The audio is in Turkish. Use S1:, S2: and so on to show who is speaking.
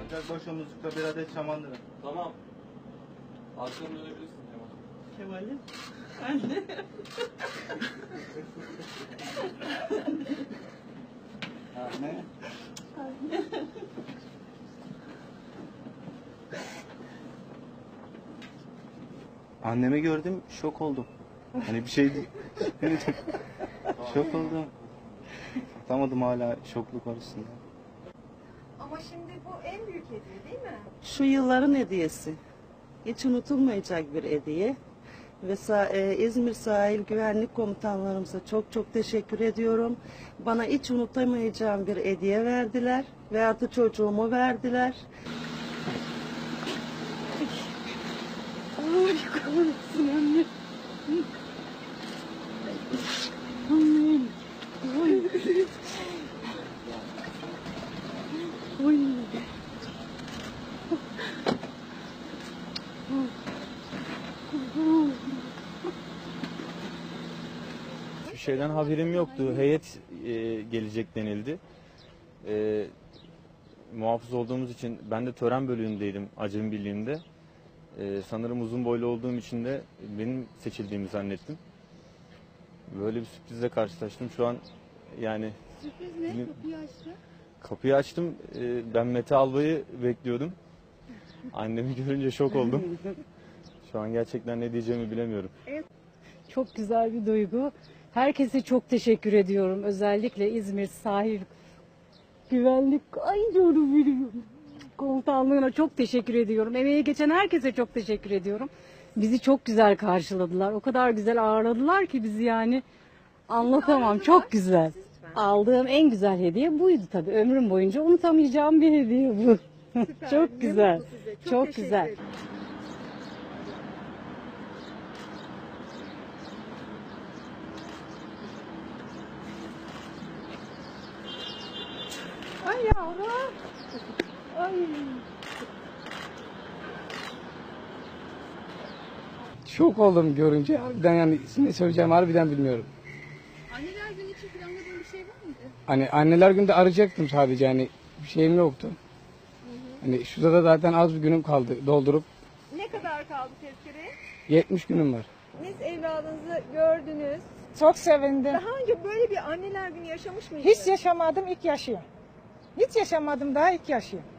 S1: Ocakbaşı Muzluk'ta bir adet şamandıra.
S2: Tamam. Akşam dönebilirsin Kemal.
S3: Kemal'im. Anne.
S1: Ne? Annemi gördüm, şok oldum. Hani bir şey değil. Şok oldum. Atamadım, hala şokluk var üstünde.
S4: Ama şimdi bu en büyük hediye değil mi?
S3: Şu yılların hediyesi. Hiç unutulmayacak bir hediye. Ve İzmir Sahil Güvenlik Komutanlarımıza çok çok teşekkür ediyorum. Bana hiç unutamayacağım bir hediye verdiler. Ve artı çocuğumu verdiler. Ay kahretsin anne. Annem. Ay. Oy.
S5: Bir şeyden haberim yoktu. Heyet gelecek denildi. Muhafız olduğumuz için ben de tören bölüğündeydim Acemi Birliği'nde. Sanırım uzun boylu olduğum için de benim seçildiğimi zannettim. Böyle bir sürprizle karşılaştım. Şu an yani...
S4: Sürpriz ne? Kapıyı açtı.
S5: Kapıyı açtım. Ben Mete Albay'ı bekliyordum. Annemi görünce şok oldum. Şu an gerçekten ne diyeceğimi bilemiyorum.
S6: Çok güzel bir duygu. Herkese çok teşekkür ediyorum. Özellikle İzmir Sahil Güvenlik Komutanlığı'na çok teşekkür ediyorum. Emeği geçen herkese çok teşekkür ediyorum. Bizi çok güzel karşıladılar. O kadar güzel ağırladılar ki bizi, yani anlatamam. Çok güzel. Aldığım en güzel hediye buydu tabii. Ömrüm boyunca unutamayacağım bir hediye bu. Çok güzel. Çok güzel. Ay yavrum. Ay.
S7: Şok oldum görünce. Harbiden yani ne söyleyeceğim harbiden bilmiyorum.
S4: Anneler günü için planladığın bir şey var mıydı?
S7: Hani anneler günde arayacaktım sadece, hani bir şeyim yoktu. Hani şurada da zaten az bir günüm kaldı doldurup.
S4: Ne kadar kaldı tezkereye?
S7: 70 günüm var.
S4: Siz evladınızı gördünüz.
S8: Çok sevindim.
S4: Daha önce böyle bir anneler günü yaşamış mıydınız?
S8: Hiç yaşamadım, ilk yaşıyorum. Hiç yaşamadım, daha ilk yaşıyorum.